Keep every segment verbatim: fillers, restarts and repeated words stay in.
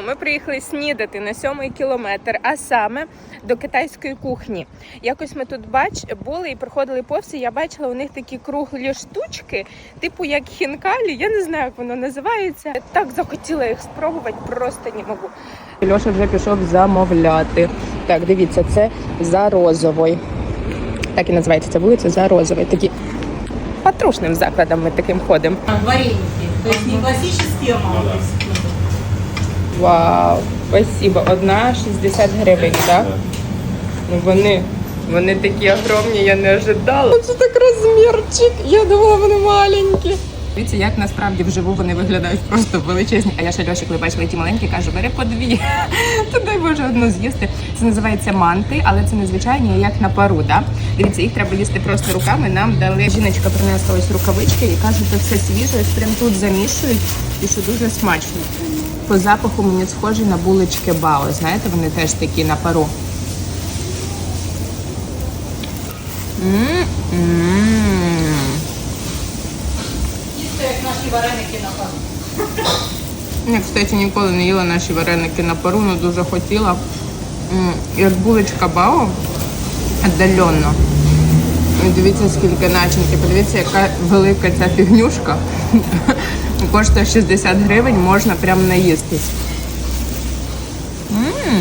ми приїхали снідати на сьомий кілометр, а саме до китайської кухні. Якось ми тут бач, були і проходили повз, і я бачила у них такі круглі штучки, типу як хінкалі, я не знаю, як воно називається. Так захотіла їх спробувати, просто не можу. Льоша вже пішов замовляти. Так, дивіться, це за Розовою. Так і називається ця вулиця, за Розовою. Такі патрушним закладом ми таким ходимо. Вареники. То есть не классические, а малые. Вау, спасибо. Одна шістдесят гривень, так? Ну вони, вони такі огромні, я не ожидала. Це так розмірчик, я думала, вони маленькі. Дивіться, як насправді вживу вони виглядають просто величезні. А я ще Льоші, коли бачила ті маленькі, кажу, бери по дві. То дай Боже одну з'їсти. Це називається манти, але це не звичайні, як на пару, да? Дивіться, їх треба їсти просто руками. Нам дали, жіночка принесла ось рукавички і каже, що все свіже, ось прям тут замішують і що дуже смачно. По запаху мені схожі на булочки Бао. Знаєте, вони теж такі на пару. М-м-м. Як наші вареники на пару. Я, кстати, ніколи не їла наші вареники на пару, але дуже хотіла. М, Як булочка Бао, віддалено. І дивіться, скільки начинки. Подивіться, яка велика ця фігнюшка. Коштує шістдесят гривень, можна прям наїстись. М.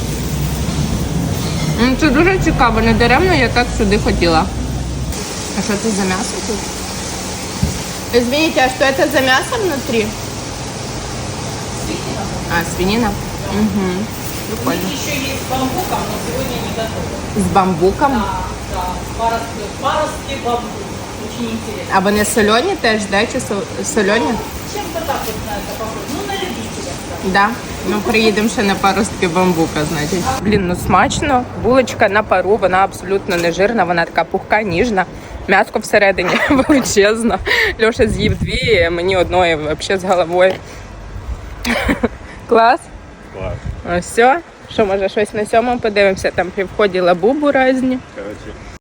М, Це дуже цікаво, не даремно я так сюди хотіла. А що це за м'ясо тут? Извините, а что это за мясо внутри? Свинина. А, свинина? Угу. У Прикольно. них еще есть с бамбуком, но сегодня не готовы. З бамбуком? Да, да, паростки, паростки бамбук. Очень интересно. А вони солені теж, да? Чи со- солені? Чем-то так вот на это похоже. Ну, на любителя. Да. Ну, приїдемо ще на паростки бамбука, значить. Блін, ну смачно. Булочка на пару, вона абсолютно не жирна, вона така пухка, ніжна. М'яско всередині величезно. Льоша з'їв дві, а мені одної взагалі з головою. Клас? Клас. Ну все. Що, може, щось на сьомому подивимося? Там при вході лабубу різні. Короче,